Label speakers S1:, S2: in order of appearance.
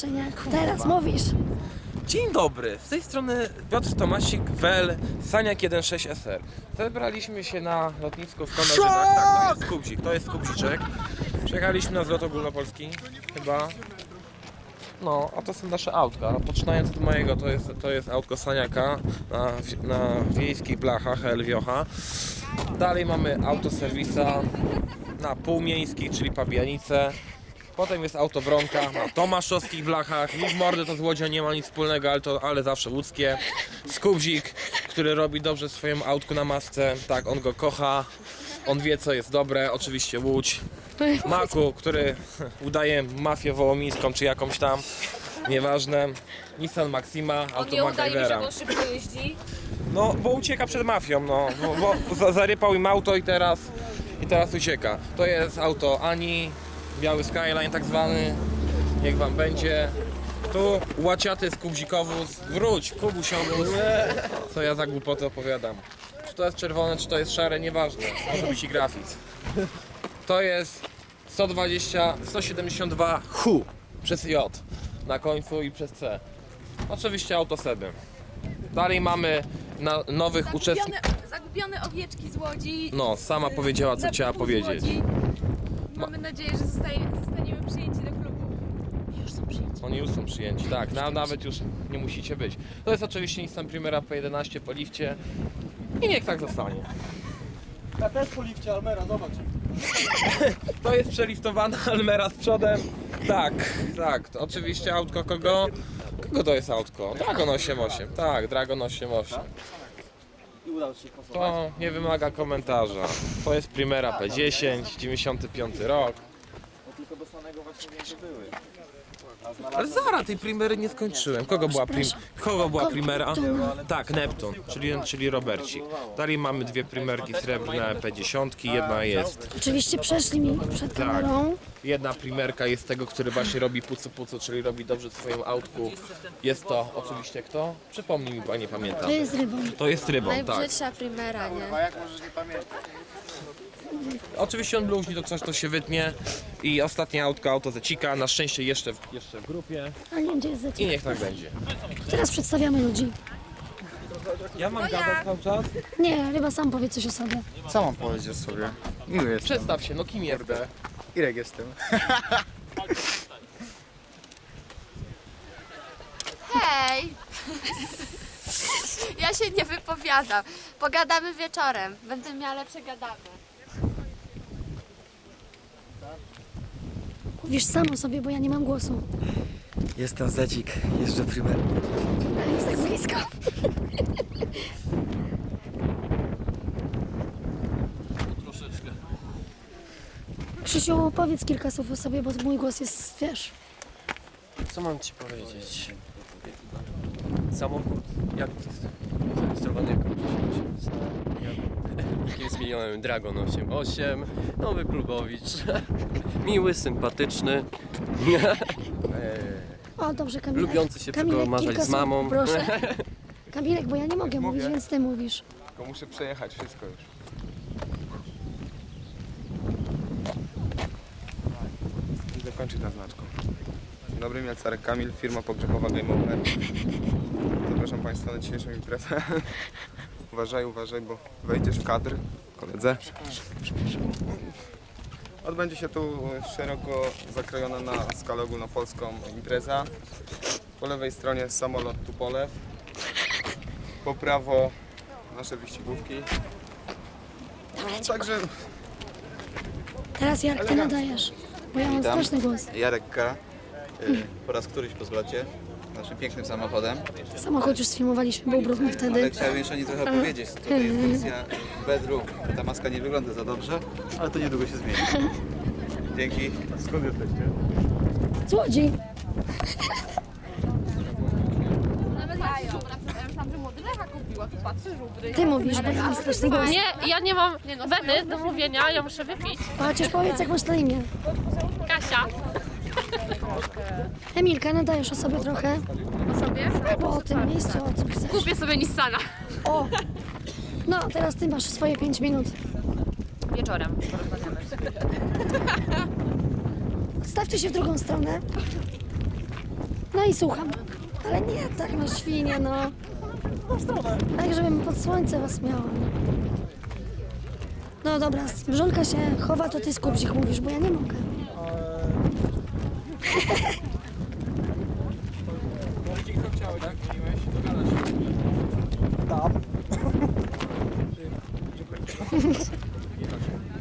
S1: jeszcze nie. Teraz mówisz.
S2: Dzień dobry, z tej strony Piotr Tomasik, WL, Saniak 1.6 SR. Zebraliśmy się na lotnisku w Konorzynach. Tak, to jest Kubzik, to jest Kubziczek. Przyjechaliśmy na zlot ogólnopolski, chyba. No, a to są nasze autka. Poczynając od mojego, to jest autko Saniaka na wiejskich blachach Elwiocha. Dalej mamy autoserwisa na półmiejskich, czyli Pabianice. Potem jest auto Wronka na tomaszowskich blachach. Nic mordy to z Łodzią nie ma nic wspólnego, ale zawsze łódzkie. Skubzik, który robi dobrze swoją autku na masce. Tak, on go kocha. On wie, co jest dobre. Oczywiście Łódź. Maku, który udaje mafię wołomińską czy jakąś tam. Nieważne. Nissan Maxima,
S3: On
S2: auto
S3: nie udaje mi, że
S2: MacGyvera.
S3: on szybko jeździ.
S2: No, bo ucieka przed mafią, no. Bo zarypał im auto i teraz ucieka. To jest auto Ani. Biały Skyline tak zwany, niech wam będzie. Tu łaciaty z Kubzikowóz, wróć, Kubusiowóz. Co ja za głupoty opowiadam. Czy to jest czerwone, czy to jest szare, nieważne, może być i grafit. To jest 172 HU przez J na końcu i przez C. Oczywiście auto Seby. Dalej mamy nowych uczestników.
S3: Zagubione owieczki z Łodzi.
S2: No, sama powiedziała, co chciała powiedzieć.
S3: Mamy nadzieję, że zostaniemy przyjęci do klubu.
S1: Już są przyjęci.
S2: Oni już są przyjęci, tak, nawet już nie musicie być. To jest oczywiście Nissan Primera P11 po lifcie i niech tak zostanie.
S4: Ja też po lifcie Almera, zobacz.
S2: To jest przeliftowana Almera z przodem. Tak, to oczywiście autko kogo? Kogo to jest autko? Dragon 8.8, tak, Dragon 8.8.
S4: I udało się pasować.
S2: To nie wymaga komentarza. To jest Primera P10, 95 rok.
S4: No tylko do samego właśnie wiem, że były.
S2: Ale zaraz tej Primery nie skończyłem. Kogo była Primera? Tak, Neptun, czyli Robercik. Dalej mamy dwie Primerki srebrne P10, jedna jest,
S1: Oczywiście przeszli mi przed kamerą.
S2: jedna Primerka jest tego, który właśnie robi pucu, czyli robi dobrze swoją autku. Jest to oczywiście kto? Przypomnij mi, bo nie pamiętam.
S1: To jest rybą.
S2: To jest Rybą, tak.
S3: Najbrzydsza primera, nie?
S4: A jak możesz nie pamiętać?
S2: Oczywiście on bluźni, to coś to się wytnie. I ostatnie autko, auto Zecika, na szczęście jeszcze w grupie.
S1: A nie wiem, gdzie jest
S2: I
S1: Zecik.
S2: niech tak będzie.
S1: Teraz przedstawiamy ludzi.
S2: Ja mam gadać cały czas?
S1: Nie, chyba sam powie coś o sobie.
S4: Co mam powiedzieć o sobie? Miły jestem.
S2: Przedstaw się, no kim jesteś?
S4: Irek jestem.
S3: Hej! Ja się nie wypowiadam. Pogadamy wieczorem. Będę miała lepsze gadamy.
S1: Mówisz sam o sobie, bo ja nie mam głosu.
S4: Jestem Zedzik, jeżdżę Primer.
S1: Ale jest tak blisko.
S2: Troszeczkę.
S1: Krzysiu, powiedz kilka słów o sobie, bo mój głos jest, wiesz.
S5: Co mam ci powiedzieć? Samochód jak zarejestrowany jako jakim zmienionym Dragon 8.8, nowy klubowicz, miły, sympatyczny,
S1: O, dobrze, Kamilek.
S5: lubiący się
S1: Kamilek,
S5: przekomarzać
S1: kilka
S5: z
S1: słów,
S5: mamą.
S1: Proszę. Kamilek, bo ja nie mogę mówić, więc ty mówisz.
S2: Tylko muszę przejechać wszystko już.
S6: I zakończyć na znaczką. Dzień dobry, Mielcarek Kamil, firma pogrzebowa Game Over. Zapraszam Państwa na dzisiejszą imprezę. Uważaj, bo wejdziesz w kadr, koledze. Odbędzie się tu szeroko zakrojona na skalę ogólnopolską impreza. Po lewej stronie samolot Tupolew. Po prawo nasze wyścigówki. Także
S1: Teraz jak ty nadajesz, bo ja mam straszny głos.
S7: Jarek K. Po raz któryś po zlocie naszym pięknym samochodem,
S1: Samochód już sfilmowaliśmy, był brudny
S7: ale
S1: wtedy.
S7: chciałem jeszcze nie trochę opowiedzieć. Tutaj jest wersja bedroom. Ta maska nie wygląda za dobrze, ale to niedługo się zmieni. Dzięki. Skąd jesteście?
S1: Złodziej. Ty mówisz, bo ja mam straszny głos.
S3: Nie, ja nie mam weny do mówienia, ja muszę wypić.
S1: Chociaż powiedz, jak masz na imię.
S3: Kasia.
S1: Emilka, nadajesz o sobie trochę.
S3: O sobie?
S1: Albo o tym miejscu, o czym chcesz.
S3: Kupię sobie Nissana.
S1: O! No, teraz ty masz swoje 5 minut.
S3: Wieczorem.
S1: Stawcie się w drugą stronę. No i słucham. Ale nie tak, no świnie, no. Tak, żebym pod słońce was miała. No dobra, Żonka się chowa, to ty Skubzik mówisz, bo ja nie mogę.
S2: Co chciałeś, tak? Dzwoniłeś? Dogadasz się.